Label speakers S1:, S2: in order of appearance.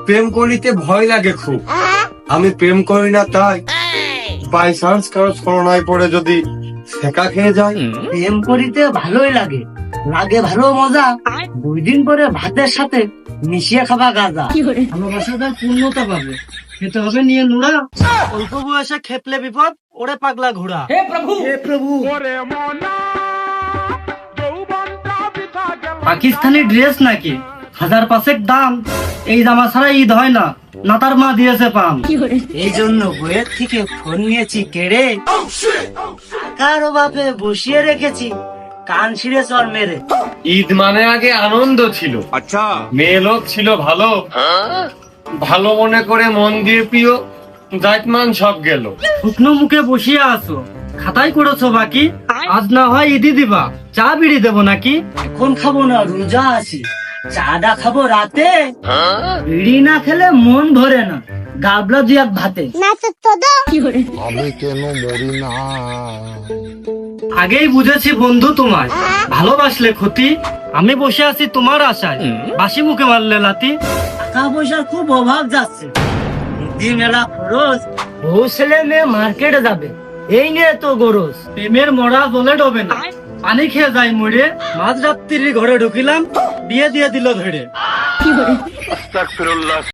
S1: প্রেম করিতে ভয় লাগে খুব। আমি প্রেম করি না তাই বাই চান্স কারো ছলনায় পড়ে যদি শেখা খেয়ে যায়।
S2: প্রেম করিতে ভালোই লাগে, লাগে ভালো মজা। 2 দিন পরে ভাতের সাথে মিশিয়ে খাবা গাজা। ভালোবাসাটার পূর্ণতা পাবে, খেতে হবে নিয়ে নুরা। অল্প বয়সে খেপলে বিপদ, ওরে পাগলা ঘোড়া। হে প্রভু, হে প্রভু। পাকিস্তানি ড্রেস নাকি 1000 দাম? এই জামা ছাড়া ঈদ হয় না, নাতার মা দিয়েছে পাম। এই জন্য বইয়ের থেকে ফোন নিয়েছি কেড়ে, টাকার অভাবে বসিয়ে রেখেছি কান ছিঁড়ে চর মেরে।
S1: ঈদ মানে আগে আনন্দ ছিল, আচ্ছা মেয়ে লোক ছিল ভালো, ভালো মনে করে মন দিয়ে প্রিয় জাতমান সব গেল।
S2: শুকনো মুখে বসিয়ে আছো, খাতাই করেছো বাকি। আজ না হয় ঈদি দিবা, চা বিড়ি দেবো নাকি? এখন খাবো না, রোজা আছি, চাটা খাবো রাতে। বিড়ি না খেলে মন ভরে না, গাবলা 2 ভাতে।
S3: আমি কেন মরি না?
S2: আগেই বুঝেছি বন্ধু তোমায়, ভালোবাসলে ক্ষতি। আমি বসে আছি তোমার আশায়, বাসি মুখে মারলে লাতি। টাকা পয়সার খুব অভাব যাচ্ছে, ঈদি মেলা খরচ। বউ ছেলে মেয়ে মার্কেটে যাবে, এই নিয়ে তো গরজ। প্রেমের মরা জলে ডবে না, পানি খেয়ে যায় মরে। মাঝ রাত্রির ঘরে ঢুকিলাম, বিয়ে দিয়ে দিল ধরে।